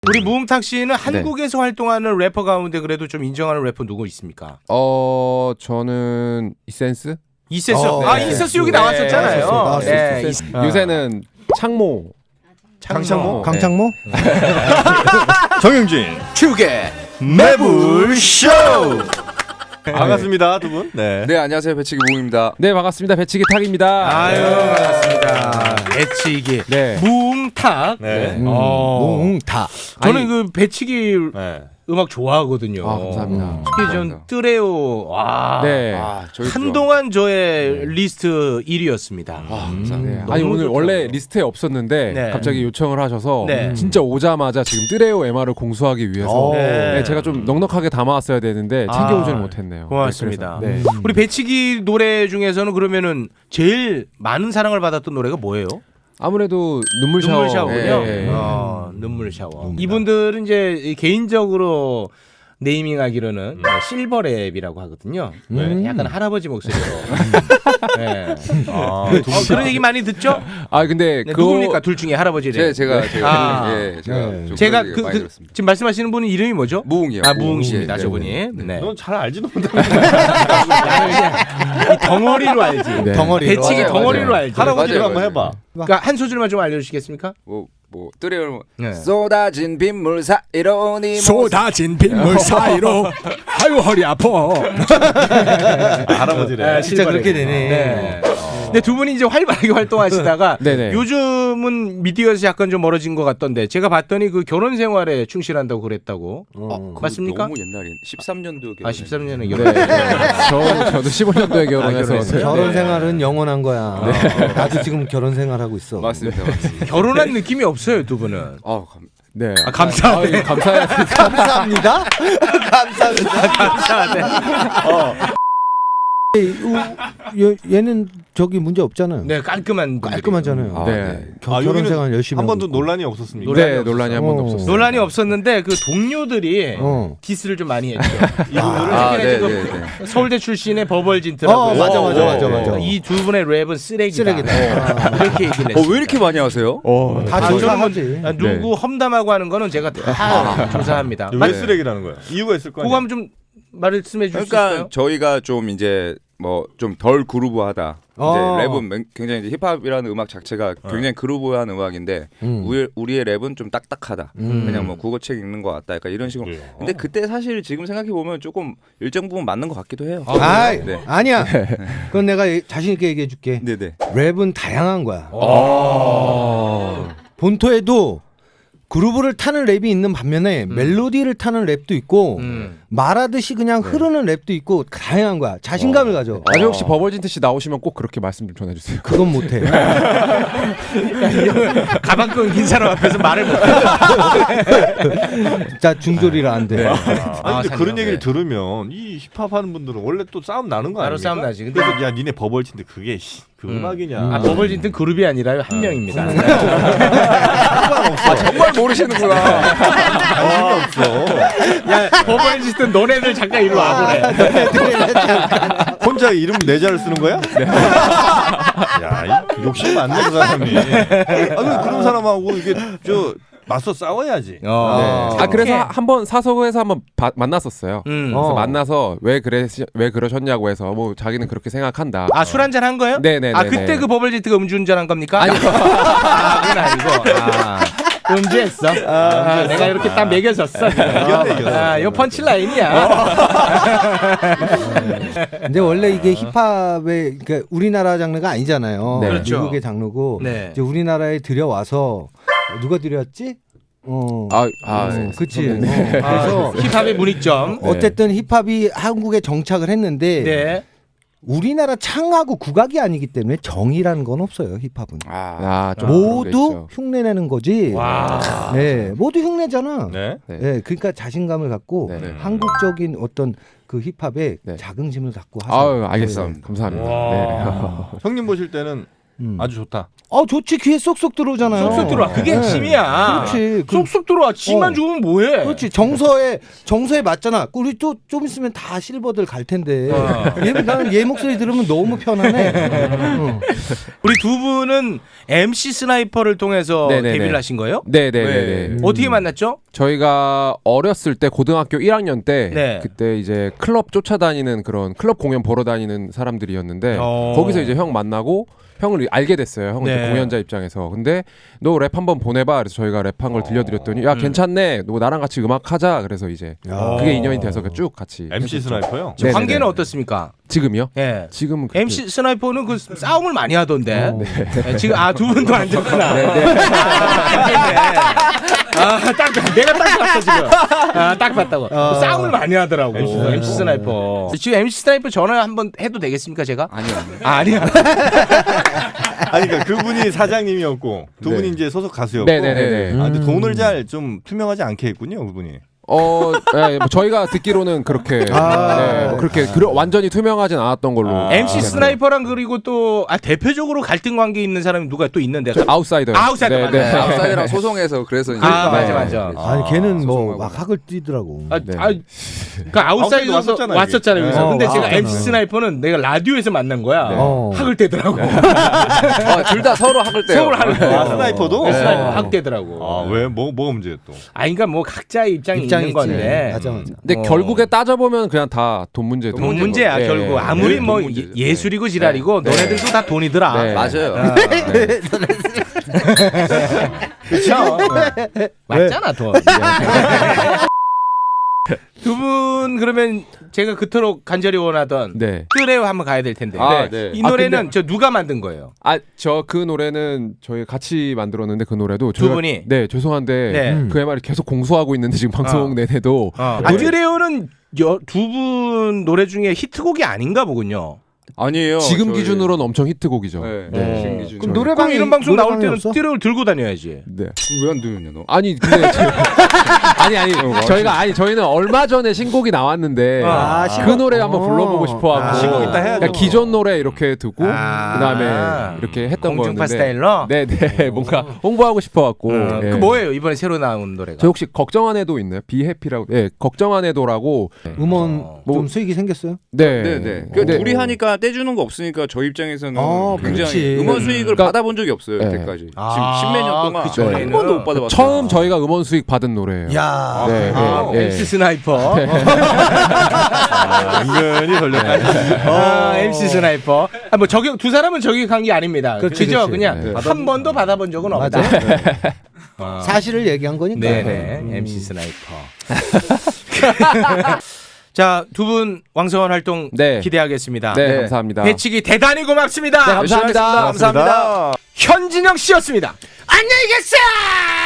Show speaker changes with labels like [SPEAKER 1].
[SPEAKER 1] 우리 무음탁 씨는 한국에서 활동하는 래퍼 가운데 그래도 좀 인정하는 래퍼 누구 있습니까?
[SPEAKER 2] 저는 이센스?
[SPEAKER 1] 이센스.
[SPEAKER 3] 네.
[SPEAKER 1] 이센스 여기 나왔었잖아요.
[SPEAKER 3] 네.
[SPEAKER 2] 요새는 창모.
[SPEAKER 3] 강창모?
[SPEAKER 4] 강창모?
[SPEAKER 3] 정영진
[SPEAKER 1] 축의
[SPEAKER 3] 매불쇼. 반갑습니다, 두 분. 네.
[SPEAKER 5] 네, 안녕하세요. 배치기 무웅입니다.
[SPEAKER 2] 네, 반갑습니다. 배치기 탁입니다.
[SPEAKER 1] 아유, 반갑습니다. 배치기.
[SPEAKER 2] 네.
[SPEAKER 1] 무음탁.
[SPEAKER 3] 네.
[SPEAKER 4] 다.
[SPEAKER 1] 저는
[SPEAKER 2] 아니,
[SPEAKER 1] 그 배치기
[SPEAKER 3] 네.
[SPEAKER 1] 음악 좋아하거든요.
[SPEAKER 2] 아, 감사합니다.
[SPEAKER 1] 특히 전
[SPEAKER 5] 감사합니다.
[SPEAKER 1] 뜨레오. 와.
[SPEAKER 2] 네.
[SPEAKER 5] 저희도
[SPEAKER 1] 한동안 저의 리스트 1위였습니다.
[SPEAKER 5] 감사합니다.
[SPEAKER 2] 네. 아니
[SPEAKER 1] 너무
[SPEAKER 2] 오늘
[SPEAKER 1] 좋더라고요.
[SPEAKER 2] 원래 리스트에 없었는데
[SPEAKER 1] 네.
[SPEAKER 2] 갑자기 요청을 하셔서
[SPEAKER 1] 네.
[SPEAKER 2] 진짜 오자마자 지금 뜨레오 MR을 공수하기 위해서
[SPEAKER 1] 네.
[SPEAKER 2] 네, 제가 좀 넉넉하게 담아왔어야 되는데 챙겨오지는 못했네요.
[SPEAKER 1] 고맙습니다.
[SPEAKER 2] 네, 그래서, 네.
[SPEAKER 1] 우리 배치기 노래 중에서는 그러면은 제일 많은 사랑을 받았던 노래가 뭐예요?
[SPEAKER 2] 아무래도 눈물 샤워.
[SPEAKER 1] 눈물 샤워군요.
[SPEAKER 2] 네.
[SPEAKER 1] 눈물 샤워. 이분들은 이제 개인적으로 네이밍하기로는 실버랩이라고 하거든요. 약간 할아버지 목소리로. 네. 그런 얘기 많이 듣죠?
[SPEAKER 2] 아 근데
[SPEAKER 1] 네,
[SPEAKER 2] 그거
[SPEAKER 1] 누굽니까 둘 중에 할아버지래.
[SPEAKER 5] 제가
[SPEAKER 1] 아.
[SPEAKER 5] 좀
[SPEAKER 1] 제가
[SPEAKER 5] 그런 얘기 많이 들었습니다.
[SPEAKER 1] 지금 말씀하시는 분은 이름이 뭐죠?
[SPEAKER 5] 무웅이요.
[SPEAKER 1] 무웅이십니다,
[SPEAKER 5] 네,
[SPEAKER 1] 저분이.
[SPEAKER 5] 네.
[SPEAKER 1] 네.
[SPEAKER 3] 넌 잘 알지도 못하는
[SPEAKER 1] 이 덩어리로 알지.
[SPEAKER 2] 네.
[SPEAKER 4] 덩어리로.
[SPEAKER 1] 배치기
[SPEAKER 5] 맞아요,
[SPEAKER 1] 덩어리로
[SPEAKER 5] 맞아요.
[SPEAKER 1] 알지.
[SPEAKER 3] 할아버지로
[SPEAKER 5] 맞아요,
[SPEAKER 3] 한번
[SPEAKER 5] 맞아요.
[SPEAKER 3] 해봐.
[SPEAKER 1] 그러니까 한 소절만 좀 알려주시겠습니까?
[SPEAKER 5] 뭐 뜨레오
[SPEAKER 1] 네.
[SPEAKER 5] 쏟아진 빗물 사이로 네
[SPEAKER 4] 쏟아진 빗물 사이로 아유 허리 아파.
[SPEAKER 3] 할아버지래.
[SPEAKER 4] 진짜 그렇게 되네.
[SPEAKER 1] 네. 근데 두 분이 이제 활발하게 활동하시다가
[SPEAKER 2] 네네.
[SPEAKER 1] 요즘은 미디어에서 약간 좀 멀어진 것 같던데 제가 봤더니 그 결혼 생활에 충실한다고 그랬다고. 맞습니까?
[SPEAKER 5] 너무 옛날인 13년도
[SPEAKER 1] 13년에
[SPEAKER 2] 네.
[SPEAKER 1] 결혼.
[SPEAKER 2] 저도 15년도에 결혼해서
[SPEAKER 1] 결혼했어요?
[SPEAKER 4] 결혼 생활은 영원한 거야. 나도 지금 결혼 생활하고 있어.
[SPEAKER 5] 맞습니다. 맞습니다.
[SPEAKER 1] 결혼한 느낌이 없어요, 두 분은.
[SPEAKER 2] 네.
[SPEAKER 1] 감사합니다.
[SPEAKER 2] 감사해요.
[SPEAKER 4] 감사합니다. 얘는 저기 문제 없잖아요.
[SPEAKER 1] 네, 깔끔한 분들이에요.
[SPEAKER 4] 깔끔하잖아요.
[SPEAKER 2] 네.
[SPEAKER 4] 결혼 생활 열심히
[SPEAKER 3] 한 번도
[SPEAKER 4] 하고 있고.
[SPEAKER 3] 논란이 없었습니까?
[SPEAKER 2] 네, 논란이 한 번도
[SPEAKER 4] 어.
[SPEAKER 2] 없었어요.
[SPEAKER 1] 논란이 없었는데 그 동료들이
[SPEAKER 4] 어.
[SPEAKER 1] 디스를 좀 많이 했죠. 이분들은
[SPEAKER 5] 아,
[SPEAKER 1] 특히나
[SPEAKER 5] 네,
[SPEAKER 1] 지금
[SPEAKER 5] 네,
[SPEAKER 1] 서울대 출신의 버벌진트라고.
[SPEAKER 4] 맞아.
[SPEAKER 1] 이 두 분의 랩은 쓰레기다.
[SPEAKER 4] 쓰레기다.
[SPEAKER 1] 그렇게 얘기를 했어요.
[SPEAKER 5] 왜 이렇게 많이 하세요?
[SPEAKER 4] 다 조사하지.
[SPEAKER 1] 누구 험담하고 하는 거는 제가 다 조사합니다.
[SPEAKER 3] 왜 쓰레기라는 거야? 이유가 있을 거
[SPEAKER 1] 그거
[SPEAKER 3] 아니야?
[SPEAKER 1] 한번 좀 말씀해 주실 수
[SPEAKER 5] 그러니까
[SPEAKER 1] 있어요?
[SPEAKER 5] 저희가 좀 이제 뭐 좀 덜 그루브하다. 이제 랩은 굉장히 이제 힙합이라는 음악 자체가 굉장히 그루브한 음악인데 우리의 랩은 좀 딱딱하다. 그냥 뭐 국어책 읽는 것 같다. 약간 이런 식으로. 근데 그때 사실 지금 생각해 보면 조금 일정 부분 맞는 것 같기도 해요. 네.
[SPEAKER 4] 아니야. 그건 내가 자신 있게 얘기해 줄게.
[SPEAKER 5] 네네.
[SPEAKER 4] 랩은 다양한 거야. 본토에도 그루브를 타는 랩이 있는 반면에 멜로디를 타는 랩도 있고 말하듯이 그냥 흐르는 랩도 있고 다양한 거야. 자신감을 가져.
[SPEAKER 2] 나중에 혹시 버벌진트 씨 나오시면 꼭 그렇게 말씀 좀 전해주세요.
[SPEAKER 4] 그건 못해.
[SPEAKER 1] 가방 끈긴 사람 앞에서 말을 못해.
[SPEAKER 4] 자 중졸이라 안 돼.
[SPEAKER 3] 아니 근데 그런 얘기를
[SPEAKER 1] 네.
[SPEAKER 3] 들으면 이 힙합 하는 분들은 원래 또 싸움 나는 거
[SPEAKER 1] 바로
[SPEAKER 3] 아닙니까?
[SPEAKER 1] 싸움 나지. 근데
[SPEAKER 3] 그래서 야 니네 버벌친데 그게 그 음악이냐?
[SPEAKER 1] 버벌진트는 그룹이 아니라요. 한 명입니다.
[SPEAKER 5] 정말 모르시는구나.
[SPEAKER 3] 관심이 없어.
[SPEAKER 1] 야, 버벌진트 너네들 잠깐 일로 와보래.
[SPEAKER 3] 혼자 이름 네 자를 쓰는 거야? 야, 욕심 많네 그 사람이. 그런 사람하고 이게 맞서 싸워야지.
[SPEAKER 2] 그래서 한번 사석에서 한번 만났었어요. 그래서 만나서 왜 그러셨냐고 해서 뭐 자기는 그렇게 생각한다.
[SPEAKER 1] 술 한잔 한 거예요?
[SPEAKER 2] 네네네.
[SPEAKER 1] 그때 그 버벌진트가 음주운전한 겁니까?
[SPEAKER 2] 아니요.
[SPEAKER 1] 그건 아니고. 음주했어. 내가 이렇게 딱 매겨줬어.
[SPEAKER 3] 이겼네.
[SPEAKER 1] 이거 펀치라인이야.
[SPEAKER 4] 근데 원래 이게 힙합의 그러니까 우리나라 장르가 아니잖아요.
[SPEAKER 2] 네.
[SPEAKER 1] 그렇죠.
[SPEAKER 4] 미국의 장르고
[SPEAKER 1] 네.
[SPEAKER 4] 이제 우리나라에 들여와서 누가 들여왔지? 그치. 그래서
[SPEAKER 1] 힙합의 문익점.
[SPEAKER 4] 어쨌든 힙합이 한국에 정착을 했는데
[SPEAKER 1] 네.
[SPEAKER 4] 우리나라 창하고 국악이 아니기 때문에 정이라는 건 없어요. 힙합은
[SPEAKER 2] 좀
[SPEAKER 4] 모두 흉내내는 거지.
[SPEAKER 1] 와.
[SPEAKER 4] 네, 모두 흉내잖아.
[SPEAKER 3] 네.
[SPEAKER 4] 네, 그러니까 자신감을 갖고
[SPEAKER 2] 네.
[SPEAKER 4] 한국적인 어떤 그 힙합에
[SPEAKER 2] 네.
[SPEAKER 4] 자긍심을 갖고 하세요.
[SPEAKER 2] 알겠습니다. 감사합니다. 네.
[SPEAKER 3] 형님 보실 때는 아주 좋다.
[SPEAKER 4] 좋지. 귀에 쏙쏙 들어오잖아요.
[SPEAKER 1] 쏙쏙 들어와. 그게 핵심이야.
[SPEAKER 4] 그렇지.
[SPEAKER 1] 쏙쏙 들어와. 지만 죽으면 뭐해?
[SPEAKER 4] 그렇지. 정서에 맞잖아. 우리 또 좀 있으면 다 실버들 갈 텐데. 나는 얘 목소리 들으면 너무 편하네.
[SPEAKER 1] 우리 두 분은 MC 스나이퍼를 통해서
[SPEAKER 2] 네네네.
[SPEAKER 1] 데뷔를 하신 거예요?
[SPEAKER 2] 네네네.
[SPEAKER 1] 어떻게 만났죠?
[SPEAKER 2] 저희가 어렸을 때 고등학교 1학년 때
[SPEAKER 1] 네.
[SPEAKER 2] 그때 이제 클럽 쫓아다니는 그런 클럽 공연 보러 다니는 사람들이었는데 거기서 이제 형 만나고 형을 알게 됐어요. 형은
[SPEAKER 1] 네.
[SPEAKER 2] 공연자 입장에서. 근데 너 랩 한번 보내봐. 그래서 저희가 랩한 걸 들려드렸더니 야 괜찮네. 너 나랑 같이 음악 하자. 그래서 이제 그게 인연이 돼서 쭉 같이
[SPEAKER 3] MC
[SPEAKER 2] 했었죠.
[SPEAKER 3] 스나이퍼요?
[SPEAKER 2] 네네네.
[SPEAKER 1] 관계는 어떻습니까?
[SPEAKER 2] 지금요?
[SPEAKER 1] 예.
[SPEAKER 2] 지금은 그렇게-
[SPEAKER 1] MC 스나이퍼는 그 싸움을 많이 하던데. 네, 지금 두 분도 앉았구나. 내가 딱 봤어 지금. 딱 봤다고. 싸움을 많이 하더라고. MC 스나이퍼. 지금 MC 스나이퍼 전화 한번 해도 되겠습니까 제가?
[SPEAKER 5] 아니요.
[SPEAKER 1] 아니야.
[SPEAKER 3] 아니 그러니까 그분이 사장님이었고 두 분이 이제 소속 가수였고.
[SPEAKER 2] 네네네.
[SPEAKER 3] 근데 돈을 잘 좀 투명하지 않게 했군요, 그분이.
[SPEAKER 2] 네, 뭐 저희가 듣기로는 그렇게 네, 뭐 그렇게 완전히 투명하진 않았던 걸로.
[SPEAKER 1] MC 스나이퍼랑 그리고 또 대표적으로 갈등 관계 있는 사람이 누가 또 있는데.
[SPEAKER 2] 아웃사이더.
[SPEAKER 1] 아웃사이더.
[SPEAKER 2] 네, 네.
[SPEAKER 5] 아웃사이더랑 소송해서 그래서 이제
[SPEAKER 1] 맞아.
[SPEAKER 4] 아니 걔는 뭐
[SPEAKER 5] 소송하고.
[SPEAKER 4] 막 학을 뛰더라고.
[SPEAKER 2] 네.
[SPEAKER 1] 그러니까 아웃사이더
[SPEAKER 3] 왔었잖아요,
[SPEAKER 1] 왔었잖아요. 그래서. 근데 제가
[SPEAKER 4] 왔었잖아요.
[SPEAKER 1] MC 스나이퍼는 내가 라디오에서 만난 거야. 학을 떼더라고.
[SPEAKER 5] 둘 다 서로 학을 떼요.
[SPEAKER 1] 서울 학을 떼요.
[SPEAKER 3] 스나이퍼도?
[SPEAKER 1] 스나이퍼 학 떼더라고.
[SPEAKER 3] 왜 뭐가 문제예요 또?
[SPEAKER 1] 그러니까 뭐 각자의 입장이 있는
[SPEAKER 4] 있지.
[SPEAKER 1] 건데.
[SPEAKER 4] 맞아.
[SPEAKER 2] 근데 결국에 따져보면 그냥 다 돈 문제.
[SPEAKER 1] 돈 문제야
[SPEAKER 2] 네,
[SPEAKER 1] 결국.
[SPEAKER 2] 네.
[SPEAKER 1] 아무리
[SPEAKER 5] 돈
[SPEAKER 1] 뭐
[SPEAKER 5] 문제죠.
[SPEAKER 1] 예술이고 지랄이고 너네들도 다 돈이더라.
[SPEAKER 2] 네.
[SPEAKER 5] 맞아요.
[SPEAKER 1] 그렇죠. 맞잖아 돈. 두 분 그러면 제가 그토록 간절히 원하던
[SPEAKER 2] 네.
[SPEAKER 1] 뜨레오 한번 가야 될 텐데.
[SPEAKER 5] 네.
[SPEAKER 1] 이 노래는 저 누가 만든 거예요?
[SPEAKER 2] 저 그 노래는 저희 같이 만들었는데 그 노래도
[SPEAKER 1] 두 분이?
[SPEAKER 2] 네, 죄송한데
[SPEAKER 1] 네.
[SPEAKER 2] 그 MR이 계속 공수하고 있는데 지금 방송 내내도
[SPEAKER 1] 뜨레오는 두 분 노래 중에 히트곡이 아닌가 보군요.
[SPEAKER 5] 아니에요.
[SPEAKER 2] 지금
[SPEAKER 5] 저희-
[SPEAKER 2] 기준으로는 엄청 히트곡이죠.
[SPEAKER 5] 네. 지금 기준.
[SPEAKER 4] 그럼
[SPEAKER 1] 그럼
[SPEAKER 4] 노래방에
[SPEAKER 1] 이런 방송 나올 때는
[SPEAKER 4] 없어?
[SPEAKER 1] 뜨레오를 들고 다녀야지.
[SPEAKER 2] 네.
[SPEAKER 5] 왜안 들으냐 너?
[SPEAKER 2] 아니 근데 저희는 얼마 전에 신곡이 나왔는데 그 노래 한번 불러보고 싶어하고
[SPEAKER 3] 신곡 이따 해야죠.
[SPEAKER 2] 그냥 기존 노래 이렇게 듣고
[SPEAKER 1] 아.
[SPEAKER 2] 그다음에 이렇게 했던
[SPEAKER 1] 공중파
[SPEAKER 2] 거였는데
[SPEAKER 1] 스타일로?
[SPEAKER 2] 네네 뭔가 홍보하고 싶어갖고 예.
[SPEAKER 1] 그 뭐예요 이번에 새로 나온 노래가?
[SPEAKER 2] 저 혹시 걱정 안 해도 있나요? 비해피라고 걱정 안 해도라고
[SPEAKER 4] 음원
[SPEAKER 2] 뭐-
[SPEAKER 4] 좀 수익이 생겼어요?
[SPEAKER 5] 네네. 그 둘이 하니까 떼주는 거 없으니까 저희 입장에서는 굉장히
[SPEAKER 4] 그렇지.
[SPEAKER 5] 음원 수익을
[SPEAKER 2] 그러니까-
[SPEAKER 5] 받아본 적이 없어요
[SPEAKER 2] 네.
[SPEAKER 5] 여태까지. 지금 십몇 년 동안
[SPEAKER 1] 그 전에는
[SPEAKER 5] 한 번도 못 받아봤어요.
[SPEAKER 2] 처음 저희가 음원 수익 받은 노래예요.
[SPEAKER 4] 야.
[SPEAKER 2] 네,
[SPEAKER 1] MC 스나이퍼.
[SPEAKER 3] 은근히 걸렸다.
[SPEAKER 1] MC 스나이퍼. 뭐 저격 두 사람은 저격한 게 아닙니다.
[SPEAKER 4] 그렇지,
[SPEAKER 1] 그죠?
[SPEAKER 4] 그렇지.
[SPEAKER 1] 그냥 한 번도 받아본 적은 없다.
[SPEAKER 4] 사실을 얘기한 거니까.
[SPEAKER 1] 네네. MC 스나이퍼. 자, 두 분 왕성한 활동
[SPEAKER 2] 네.
[SPEAKER 1] 기대하겠습니다.
[SPEAKER 2] 네, 감사합니다.
[SPEAKER 1] 배치기 대단히 고맙습니다.
[SPEAKER 2] 네, 감사합니다.
[SPEAKER 1] 감사합니다. 현진영 씨였습니다. 안녕히 계세요.